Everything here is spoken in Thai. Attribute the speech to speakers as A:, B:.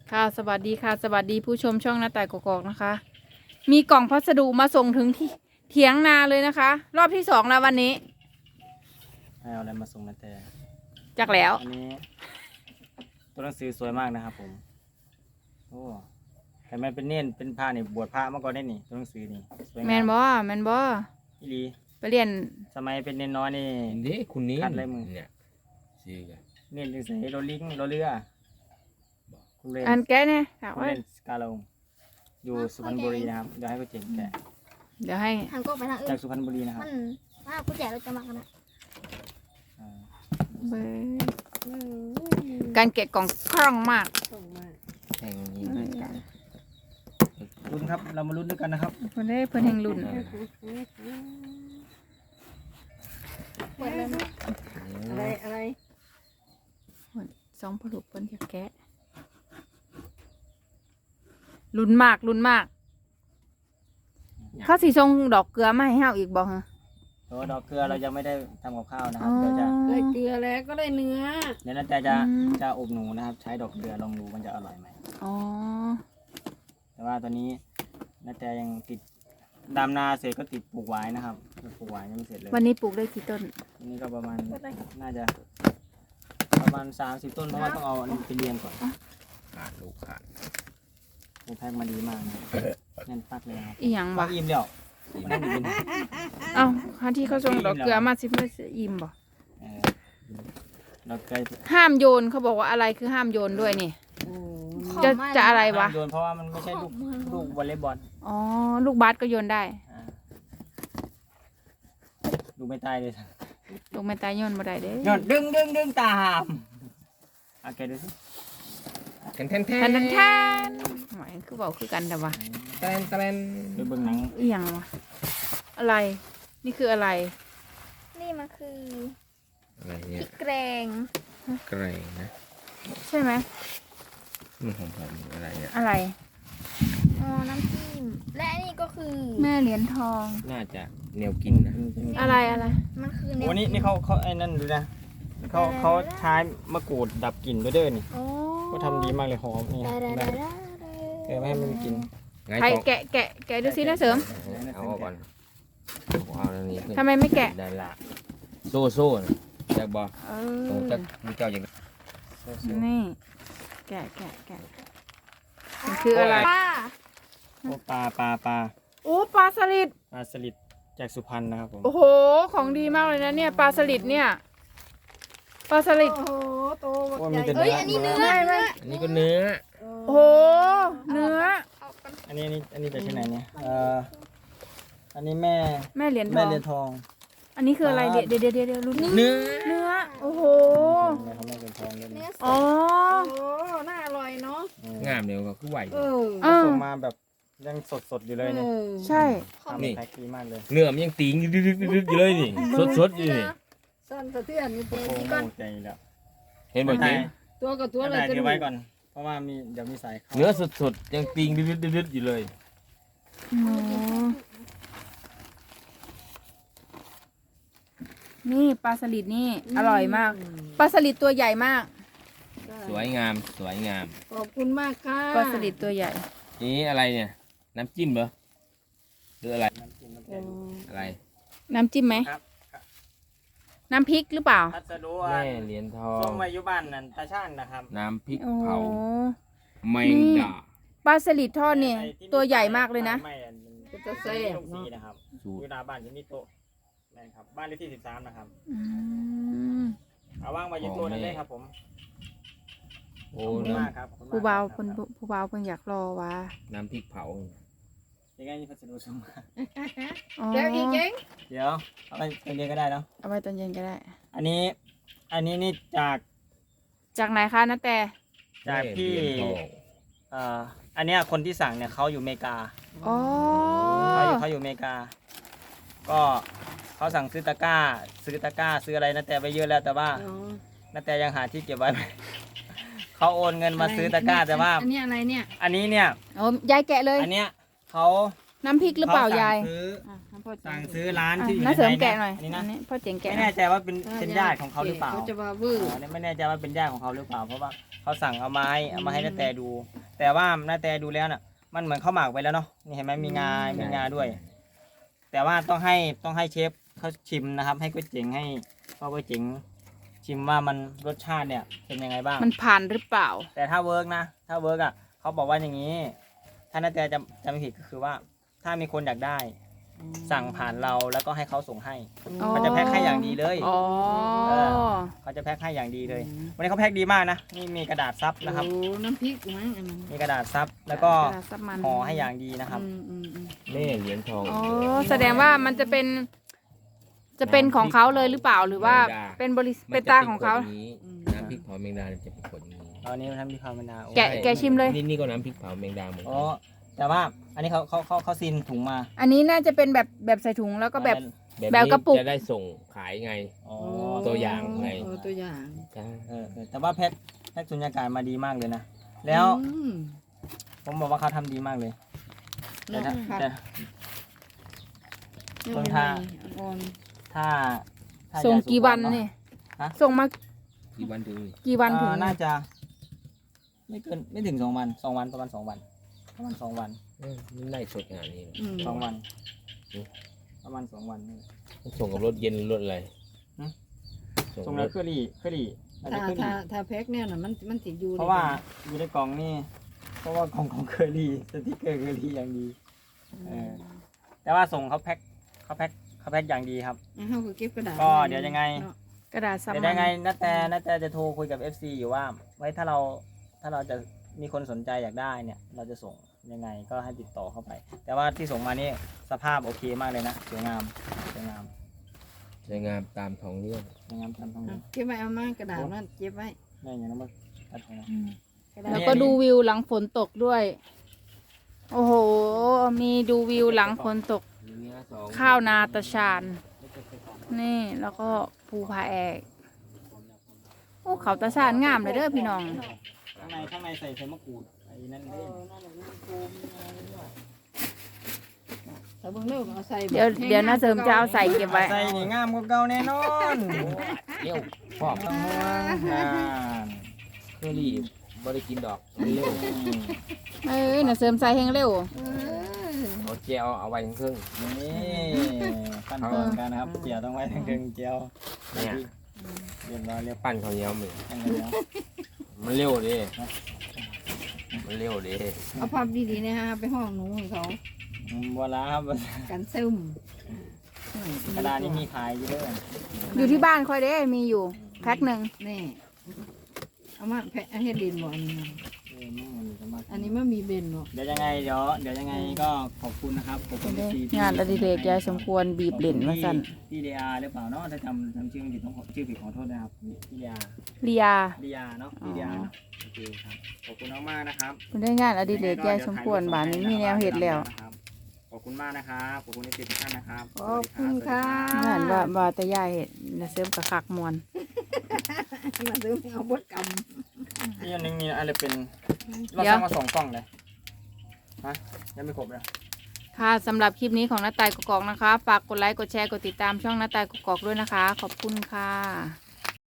A: ค่ะสวัสดีค่ะสวัสดีผู้ชมช่องหน้าต่ายกอกๆนะคะ มีกล่องพัสดุมาส่งถึงที่เถียงนาเลยนะคะ รอบที่สองแล้ววันนี้
B: ให้เอาอะไรมาส่งนะแต่
A: จักแล้ว
B: อันนี้ตัวหนังสือสวยมากนะครับผมโอ้แต่มันเป็นเน้นเป็นผ้านี่บวชพระมาก่อนได้นี่ตัวหนังสือนี่สวยงาม
A: แมนบอแมนบอ
B: อีหลี
A: ไปเรียน
B: สมัยเป็นเน้นน้อยนี่
C: นี่คุณนี้
B: คัดเลยมึง
C: เนี่ยซื้อกัน
B: เน้นจังใส่โรลิงโรเรือคุณเล่น
A: อันแกะเนี่ยถาม
B: คุณ
A: ว่า
B: เล่นสกาลงอยู่สุพรรณบุรีนะครับเดี๋ยวให้กูเจ๋งแกะ
A: เดี๋ยวให้
D: ทางก็ไปทางอื่
B: จาก
D: น
B: สุพรรณบุรีนะครับ
D: มันถ้าผู้แจกเราจะมากันนะ
B: อ่า
A: เบิดการแกะกล่องคล่องมาก
C: แข่งยิงด้วยกัน
B: ลุ้นครับเรามาลุ้นด้วยกันนะครับ
A: เพื่อนได้เพื่อนแห่งรุ่น
D: เปิดเลยนะ
E: อะไร
A: สองผลุเพื่อนจะแกะรุ่นมากรุ่นมาก เขาสีทรงดอกเกลือมาให้เฮาอีกบอกฮะ
B: ตัวดอกเกลือเรายังไม่ได้ทำกับข้าวนะครับเดี๋ยวจะ
E: ได้เกลือแล้วก็ได้เนื้อ
B: เดี๋ยวน่าจะอบหนูนะครับ ใช้ดอกเกลือลองดูมันจะอร่อยไหม
A: อ๋อ
B: แต่ว่าตอนนี้นาแต่ยังติดดำนาเสร็จก็ติดปลูกหวายนะครับปลูกหวายยังไม่เสร็จเลย
A: วันนี้ปลูกได้กี่ต้น
B: วันนี้ก็ประมาณน่าจะประมาณ30 ต้นเพราะว่าต้องเอาอันนี้ไปเรียงก่อน
C: ขาดลูกขาด
B: โอ้แพ็คมาดีมากนะแน่นปักเลยนะครับ
A: อีหยัง
B: ปั
A: วะ
B: กอิ่มแล้วนั่นเป็น
A: เอ้าคันที่เขาส่งดอกเกลือมาสิเพื่ออิ่มบ่
B: เอ่อดอกเกลือ
A: ห้ามโยนเขาบอกว่าอะไรคือห้ามโยนด้วยนี่
D: ของ
A: จะ
D: มาก
A: จะอะไรวะ
B: โยนเพราะว่ามันไม่ใช่ลูกวอลเลย์บอล
A: อ๋อ ลูกบาสก็โยนได้
B: อ่าลูกไม่ตายเลย
A: ลูกไม่ตายโยนบ่ได้เด้
B: โยนดึงตามโอเคดูสิ
C: แทนแทนแท
A: แท
C: น
A: นแทนหมายคือบอกคือกันแต่ว่า
C: แทนแทน
B: ไปเบิ่งหนัง
A: อีหยังวะอะไร นี่คืออะไร
D: นี่มันคือ
C: อะไร
D: พ
C: เนี่
D: ริ
C: ย
D: กแกง
C: แกรงนะ
A: ใช่ไหม
C: มันของผมอะไรเนี่ย
A: อะไร
D: อ๋อน้ำจิ้มและอันนี้ก็คือ
A: แม่เหรียญทอง
C: น่าจะแนวกินนะ
A: อะไรอะไร
D: มันคือ
B: โอ้นี่เขาไอ้นั่นดูนะเขาใช้มะกรูดดับกลิ่นด้วยเด้อนี่
D: โอ้
B: ก็ทำดีมากเลยหอมนี่
D: ได้
B: นะไม่ให้มันกิน
C: ไง
A: ใคร
C: ต้อง
A: แกะดูสินะเสริม
C: เอาออกก่อนเอาแล้วนี่ขึ้น
A: ทำไมไม่แกะ
C: ได้ละโซ่นะจากบอ
A: เอ
C: ตรง
A: อ
C: จากมีเจ้าอย่าง
A: นี่ แกะมันคืออะไร
D: ป้า
B: โอ้ปลา
A: โอ้ปลาสลิด
B: ปลาสลิดจากสุพรรณนะครับผม
A: โอ้โห ของดีมากเลยนะเนี่ยปลาสลิดเนี่ย ปลาสลิด
E: โอ้โหโต
B: โอ้
E: ให
B: มี
E: ญ่
B: แต่
D: เอ้ยอันนี้เนื้อ
C: อันนี้ก็เนื้อ
A: โอ้โห เนื้อ
B: อันนี้จากที่ไหนเนี่ยอันนี้แม่
A: แม่เหรียญท
B: แม่
A: อง
B: เรือนทอง
A: อันนี้คืออะไรเดี๋ยวรุ่นนี้
C: เนื้อ
A: เนื้อ โอ้โห
B: แม่เขาแม่เรือนทองเลย
D: เนื้อส
A: อ๋อ
E: โอ้น่าอร่อยเนาะ
C: งามเดียวก็คือไหว
E: เออ
A: เออ
B: ส่งมาแบบยังสดอยู่เลยเนี่ย
A: ใช่
B: ทำเป็นแพ็คดีมากเลย
C: เนื้อมันยังตีงดึกอยู่เลยนี่สดอยู่นี่
E: สั้นสะเทือนนี่
B: โอ้
E: เจ๊
B: โหใจแล้ว
C: เห็นบ่เจ๊
E: ตัวกับตัว
B: ตัว
E: เล
B: ไหน
E: ยจะ
B: เดี๋ยวไว้ก่อน เพราะว่าเดี๋ยวมีสายเข้า
C: เนื้อสดๆยังตีงดึกอยู่เลย
A: โอ้นี่ปลาสลิดนี่ อร่อยมาก ปลาสลิดตัวใหญ่มาก
C: สวยงามสวยงาม
E: ขอบคุณมากค่ะ
A: ปลาสลิดตัวใหญ่
C: นี่อะไรเนี่ย น้ำจิ้มเหรอหรืออะไร
B: น้ำจิ้มน้ำ
E: โอ้
B: แกง
C: อะไร
A: น้ำจิ้มไหม
B: ครับ
A: น้ำพริกหรือเปล่า
B: พัสดุ
C: แม่เหรียญทอ
B: ส่
C: ง
B: งมาอยู่บ้านนั่นตาช่างนะครับ
C: น้ำพริก
A: โอ้
C: เผาแมงดา
A: ปลาสลิดทอดเนี่ย ตัวใหญ่มากเลยนะ
B: ไม่อัน
E: ก็จะแซ่บ
B: ลูกสีนะครับ
C: สูต
B: อ
C: ร
B: ยู่หน้าบ้านที่นี่โต๊ะนะครับบ้านเลขที่13นะครับ
A: อืม
B: เอาว่างมาอยู่ตัวนั้นเลยครับผม
C: โอ้
B: ขอบคุณ
C: น้
B: มากครับขอบคุณมก
A: ผู้เบา
B: ครับ
A: คนผู้เบาเพิ่นอยากรอวะ
C: ำน้ำพริกเผา
B: ยังไงนี่พัสดุส่งมา
A: อ๋อ
E: แจ๊กอีกเจ๊ง
B: เดี๋ยวเอาไปเรียนก็ได้เนาะ
A: เอาไว้ตอนเย็นก็ได้
B: อันนี้นี่จาก
A: จากไหนคะนะแต่
B: ที่
C: เหรียญทอง
B: อันเนี้ยคนที่สั่งเนี่ยเขาอยู่อเมริกา
A: อ๋อ
B: เขาอยู่อเมริกา ก็เขาสั่งซื้อตะกร้า ซื้ออะไรนะแต่ไปเยอะแล้วแต่ว่า
E: อ๋อ
B: นาแต่ยังหาที่เก็บไว้ไม่ เขาโอนเงินมาซื้อตะกร้าแต่ว่า
E: อันนี้อะไรเนี่ย
B: อันนี้เนี่ย
A: โอ้ยายแกะเลย
B: อันเนี้ยเขา
A: น้ำพริกหรือเปล่ายาย
B: ขซื้อ
A: อ่ะน้ำพ่อเจ๋
B: สั่
A: ง
B: งซื้อร้านที่อยู่
A: น้าเสริม
B: ใน
A: แกะหน่อย
B: อันนี้นะ
A: อันนี้พ่อเจ๋งแกะ
B: ไม่
A: หน่
B: แน่
A: อย
B: ใจว่าเป็นญาติของเขาหรือเปล่า
E: เขาจะมาบื้อ
B: อันนี้ไม่แน่ใจว่าเป็นญาติของเขาหรือเปล่า เพราะว่าเขาสั่งเอามาให้นาแต่ดูแต่ว่าหน้าแต่ดูแล้วน่ะ มันเหมือนข้าวหมากไปแล้วเนาะนี่เห็นไหมมีงาด้วย แต่ว่าต้องให้เชฟเขาชิมนะครับ ให้ก๋วยเจ๋งให้พ่อก๋วยเจ๋งชิมว่ามันรสชาติเนี่ยเป็นยังไงบ้าง
A: มันผ่านหรือเปล่า
B: แต่ถ้าเวิร์กนะถ้าเวิร์กอ่ะเขาบอกว่าอย่างนี้ ถ้านาแต่จะไม่ผิดก็คือว่า ถ้ามีคนอยากได้ สั่งผ่านเราแล้วก็ให้เขาส่งให้
A: อ๋อ
B: เขาจะแพ็คให้อย่างดีเลย
A: อ๋อ
B: เขาจะแพ็คให้อย่างดีเลย วันนี้เขาแพ็คดีมากนะนี่มีกระดาษซับนะครับ
E: โอ้น้ำพริกมั้งอันนั้น
B: มีกระดาษซับแล้วก็
A: กระดาษซับมัน
B: ห่อให้อย่างดีนะครับ
E: อืม
C: แม่เหรียญทอง
A: อ๋อแสดงว่ามันจะเป็นของเขาเลยหรือเปล่าหรือว่าเป็นเป็นตาของเขา
C: น้ำพริกเผาแมงดาเนี่ยจะเป็นขวดอย่างนี้
B: ตอนนี้มันทำที่ความเป็นดาว
A: แกะชิมเลย
C: นี่ก็น้ำพริกเผาแมงดาเหมือน
B: อ๋
C: กั
B: อน แต่ว่าอันนี้เขาซีนถุงมา
A: อันนี้น่าจะเป็นแบบใส่ถุงแล้วก็แบบ
C: แบบ
A: แบบกระปุก
C: นี้จะได้ส่งขายไง
B: อ๋อ
C: ตัวอย่างไง
E: ตัวอย่าง
C: ใช่
B: แต่ว่าแพ็คสุญญากาศมาดีมากเลยนะแล้ว
E: อืม
B: ผมบอกว่าเขาทำดีมากเลย แต่ถ้าแต่ ต้นทาง
E: อ่อน
B: ถ้า
A: ส่ง
B: ยาย
A: กี่วัน
B: สุพรรณ
A: เนี่ย
B: ฮะ
A: ส่งมา
C: กี่วันถึง
A: กี่วันถึง
B: น่าจะ ไม่ถึง2 วันประมาณ 2 วันประมาณ 2 วัน
C: นี่ไล่สดขนาดนี้เลย
E: อืม
B: 2 วัน
C: อืม
B: ประมาณ2 วันนี่
C: ต้องส่งกับรถเย็นรถอะไร
B: หืม
C: ส่ง
B: ส่ง
C: ร
B: แล้ว
C: ถ
B: เคอรี่อาจจะเคอรี่
E: ถ้าแพ็คเนี่ยน่ะมันติดอยู่
B: เพราะว่าอยู่ในกล่องนี่เพราะว่ากล่องของเคอรี่สติ๊กเกอร์เคอรี่อย่างดี แต่ว่าส่งเขาแพ็คอย่างดีครับ
E: เขาก็เก็บกระดาษ
B: ก็เดี๋ยวยังไง
E: เนาะ
A: กระดาษซับ
B: เดี๋ยว
A: มั
B: ยังไงนาแต่จะโทรคุยกับ FC อยู่ว่า ไว้ถ้าเราจะมีคนสนใจอยากได้เนี่ย เราจะส่งยังไงก็ให้ติดต่อเข้าไป แต่ว่าที่ส่งมานี่สภาพโอเคมากเลยนะสวยงามสวยงาม
C: สวยงามตามท้องเรื่อง
B: สวยงามตามท้อง
E: เอา
B: นี้
E: เก็บไว้เอามากระดาษนั่นเก็บไว้
B: นี่อย่างนั้นมาตัดของเรา
E: กระดาษ
A: แล้วก็ดูวิวหลังฝนตกด้วย โอ้โห มีดูวิวหลังฝนตก ข้าวนาตาชาน นี่ แล้วก็ภูผาแอกโอ้เขาตาชานงามเลยเด้อพี่น้อง
B: ข้างในใส่มะกรูดไอ้นั่นเล่น
E: แต่เบิ่งเร็วเอาใส่
A: เดี๋ยวน้าเสริมจะเอาใส่เก็บไว้
B: ใส่นี่งามกว่าเก่าแน่นอน
C: เร็วพ่อ
B: ต้องห่วงนาน
C: เคอรี่บ่ได้กินดอกมันเร็ว
A: น้าเสริมใส่แห้งเร็ว
C: เอาเจลเอาไว้ทั้งครึ่ง
B: นี่ขั้นตอนการนะครับเจียวต้องไว้ทั้งเกงเจียว
C: เนี่ย
B: เรียบร้อยเรียบ
C: ปั้นข้าวเหนียวมือ
B: ร้อยแล้ว
C: มันเร็วดิมันเร็วดิ
E: เอาภาพดีๆนะฮะไปห้องหนูให้เขา
B: บัวลาครับ
E: กันซึม
B: กระดาษนี่มีขายอยู่ด้วย
A: อยู่ที่บ้านค่อยเด้มีอยู่แพ็คหนึ่ง
E: นี่เอามาแพ็คให้เด่นบ่อันนี้ อันนี้มันมีเบนบ่
B: เดี๋ยวยังไงก็ขอบคุณนะครับขอบคุณที่
A: งานอดิเรกยายสมควรบีบเหรียญมาสั่น
B: พี่เดียหรือเปล่าเนาะถ้าจำชื่อผิดต้องชื่อผิดขอโทษนะครับพี่เดีย
A: เลีย
B: เดียเนาะพี่เดียเนาะโอเคครับขอบคุณมากๆนะครับ
A: มันได้งานอดิเรกยายสมควรบ้านนี้มีแนวเห็ดแล้ว
B: ขอบคุณมากนะครับขอบคุณที่ติดท่านนะครับ
E: ขอบคุณค่ะ
A: งานว่าแต่ยายเห็ดน้าเสริมกับคักมวน
E: มาซื้อเอาบดก
B: นี่อันนึงมีอะไรเป็นเราสร้างมา2 กล่องเลยฮะยังไม่ครบเลย
A: ค่ะสำหรับคลิปนี้ของน้าตายกกอกนะคะ ฝากกดไลค์กดแชร์กดติดตามช่องน้าตายกกอกด้วยนะคะ ขอบคุณค่ะ